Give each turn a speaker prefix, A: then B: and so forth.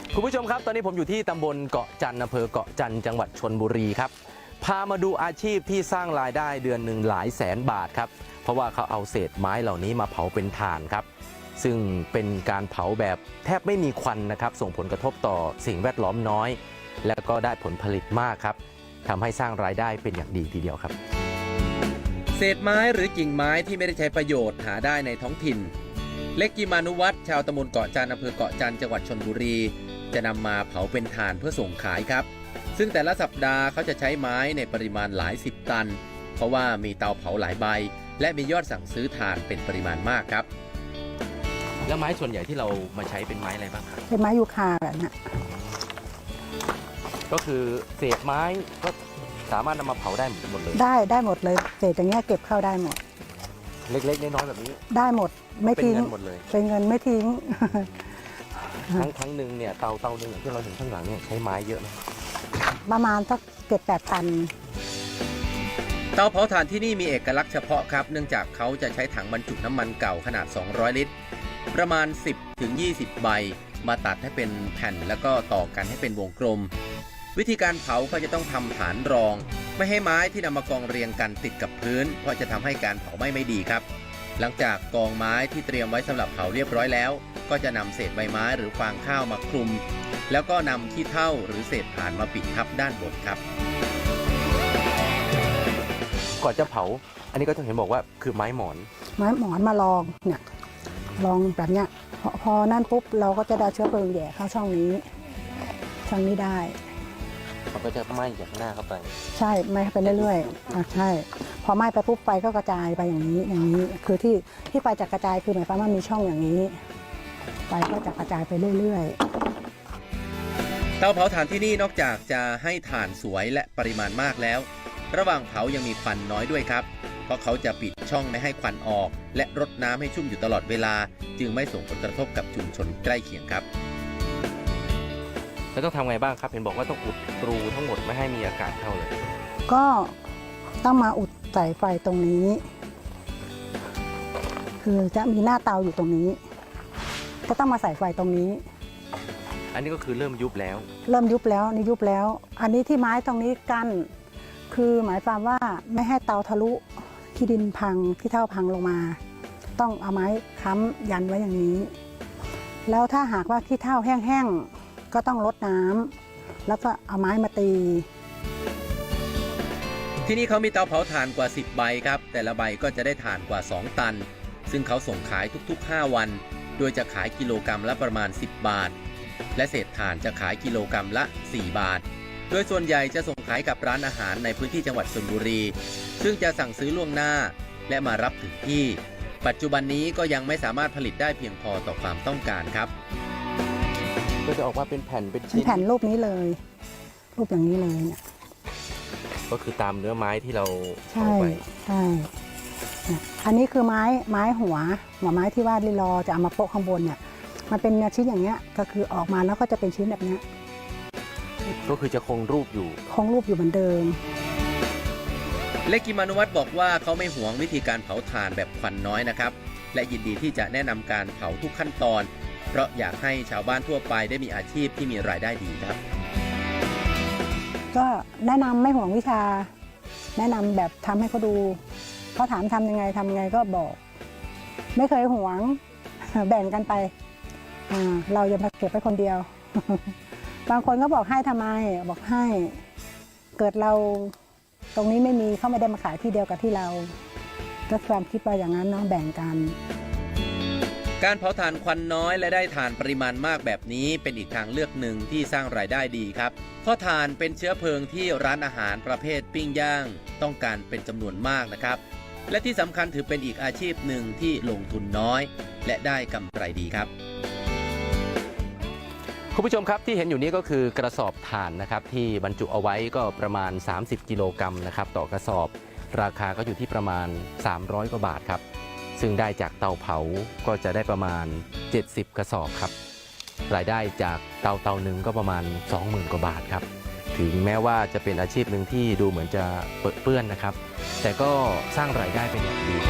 A: คุณผู้ชมครับตอนนี้ผมอยู่ที่ตำบลเกาะจันทร์อำเภอเกาะจันทร์จังหวัดชลบุรีครับพามาดูอาชีพที่สร้างรายได้เดือนหนึ่งหลายแสนบาทครับเพราะว่าเขาเอาเศษไม้เหล่านี้มาเผาเป็นถ่านครับซึ่งเป็นการเผาแบบแทบไม่มีควันนะครับส่งผลกระทบต่อสิ่งแวดล้อมน้อยและก็ได้ผลผลิตมากครับทำให้สร้างรายได้เป็นอย่างดีทีเดียวครับเศษไม้หรือกิ่งไม้ที่ไม่ได้ใช้ประโยชน์หาได้ในท้องถิ่นเล็กกิมานุวัฒน์ชาวตำบลเกาะจันทร์อำเภอเกาะจันทร์จังหวัดชลบุรีจะนำมาเผาเป็นถ่านเพื่อส่งขายครับซึ่งแต่ละสัปดาห์เขาจะใช้ไม้ในปริมาณหลายสิบตันเพราะว่ามีเตาเผาหลายใบและมียอดสั่งซื้อถ่านเป็นปริมาณมากครับแล้วไม้ส่วนใหญ่ที่เรามาใช้เป็นไม้อะไรบ้างครับ
B: เป็นไม้ยูคาแบบนี้
A: ก็คือเศษไม้ก็สามารถนำมาเผาได้หมดเลย
B: ได้หมดเลยเศษอย่างเงี้ยเก็บเข้าได้หมด
A: เล็กๆน้อยๆแบบนี้
B: ได้หมดไม่ทิ้ง
A: เป็นเงินหมดเลย
B: เป็นเงินไม่ทิ้ง
A: ครั้งหนึ่งเนี่ยเตาหนึ่งที่เราเห็นข้างหลังเนี่ยใช้ไม้เยอะไหม
B: ประมาณสัก7-8 ตัน
A: เตาเผาถ่านที่นี่มีเอกลักษณ์เฉพาะครับเนื่องจากเขาจะใช้ถังบรรจุน้ำมันเก่าขนาด200 ลิตรประมาณ 10-20 ใบมาตัดให้เป็นแผ่นแล้วก็ต่อกันให้เป็นวงกลมวิธีการเผาก็จะต้องทำฐานรองไม่ให้ไม้ที่นำมากองเรียงกันติดกับพื้นเพราะจะทำให้การเผาไหม้ไม่ดีครับหลังจากกองไม้ที่เตรียมไว้สำหรับเผาเรียบร้อยแล้วก็จะนำเศษใบไม้หรือฟางข้าวมาคลุมแล้วก็นำขี้เถ้าหรือเศษถ่านมาปิดทับด้านบนครับก่อนจะเผาอันนี้ก็จะเห็นบอกว่าคือไม้หมอน
B: มาลองเนี่ยลองแบบเนี้ยพอนั่นปุ๊บเราก็จะได้เชื้อเพลิงแย่เข้าช่องนี้ได้
A: มันก็จะไหม้จากหน้าเข้าไป
B: ใช่ไหม้ไปเรื่อยๆใช่พอไหม้ไปปุ๊บไฟก็กระจายไปอย่างนี้คือที่ไฟจะกระจายคือหมายความว่ามีช่องอย่างนี้ไฟก็จะกระจายไปเรื่อย
A: ๆเตาเผาถ่านที่นี่นอกจากจะให้ถ่านสวยและปริมาณมากแล้วระหว่างเผายังมีควันน้อยด้วยครับเพราะเขาจะปิดช่องไม่ให้ควันออกและรดน้ำให้ชุ่มอยู่ตลอดเวลาจึงไม่ส่งผลกระทบกับชุมชนใกล้เคียงครับแล้วต้องทำไงบ้างครับเห็นบอกว่าต้องอุดรูทั้งหมดไม่ให้มีอากาศเข้าเลย
B: ก็ต้องมาอุดสายไฟตรงนี้คือจะมีหน้าเตาอยู่ตรงนี้ก็ต้องมาใส่ไฟตรงนี้
A: อันนี้ก็คือเริ่มยุบแล้ว
B: นี่ยุบแล้วอันนี้ที่ไม้ตรงนี้กั้นคือหมายความว่าไม่ให้เตาทะลุขี้ดินพังขี้เถ้าพังลงมาต้องเอาไม้ค้ำยันไว้อย่างนี้แล้วถ้าหากว่าขี้เถ้าแห้งๆก็ต้องรดน้ำแล้วก็เอาไม้มาตี
A: ที่นี่เขามีเตาเผาถ่านกว่า10 ใบครับแต่ละใบก็จะได้ถ่านกว่า2 ตันซึ่งเขาส่งขายทุกๆ5 วันโดยจะขายกิโลกรัมละประมาณ10 บาทและเศษถ่านจะขายกิโลกรัมละ4 บาทโดยส่วนใหญ่จะส่งขายกับร้านอาหารในพื้นที่จังหวัดชลบุรีซึ่งจะสั่งซื้อล่วงหน้าและมารับถึงที่ปัจจุบันนี้ก็ยังไม่สามารถผลิตได้เพียงพอต่อความต้องการครับก็จะออกมาเป็นแผ่นเป็นชิ้น
B: แผ่นรูปนี้เลยรูปอย่างนี้เลยเนี่ย
A: ก็คือตามเนื้อไม้ที่เราเอาไป
B: ใช่อันนี้คือไม้หัวไม้ที่ว่าลิลอจะเอามาโปะข้างบนเนี่ยมันเป็นชิ้นอย่างเงี้ยก็คือออกมาแล้วก็จะเป็นชิ้นแบบนี้
A: ก็คือจะคงรูปอยู่
B: เหมือนเดิม
A: เล็กกิมานุวัฒน์บอกว่าเขาไม่หวงวิธีการเผาถ่านแบบควันน้อยนะครับและยินดีที่จะแนะนำการเผาทุกขั้นตอนเพราะอยากให้ชาวบ้านทั่วไปได้มีอาชีพที่มีรายได้ดีครับ
B: ก็แนะนำไม่ห่วงวิชาแนะนำแบบทำให้เขาดูเขาถามทำยังไงก็บอกไม่เคยห่วงแบ่งกันไปเราอย่ามาเก็บไว้คนเดียวบางคนก็บอกให้ทำไมบอกให้เกิดเราตรงนี้ไม่มีเขาไม่ได้มาขายที่เดียวกับที่เราก็ความคิดว่าอย่างนั้นเนาะแบ่งกัน
A: การเผาถ่านควันน้อยและได้ถ่านปริมาณมากแบบนี้เป็นอีกทางเลือกหนึ่งที่สร้างรายได้ดีครับเพราะถ่านเป็นเชื้อเพลิงที่ร้านอาหารประเภทปิ้งย่างต้องการเป็นจำนวนมากนะครับและที่สำคัญถือเป็นอีกอาชีพหนึ่งที่ลงทุนน้อยและได้กำไรดีครับคุณผู้ชมครับที่เห็นอยู่นี้ก็คือกระสอบถ่านนะครับที่บรรจุเอาไว้ก็ประมาณ30 กิโลกรัมนะครับต่อกระสอบราคาก็อยู่ที่ประมาณ300 กว่าบาทครับซึ่งได้จากเตาเผาก็จะได้ประมาณ70 กระสอบครับรายได้จากเตาหนึ่งก็ประมาณ 20,000 กว่าบาทครับถึงแม้ว่าจะเป็นอาชีพหนึ่งที่ดูเหมือนจะเปื้อนนะครับแต่ก็สร้างรายได้เป็นอย่างดี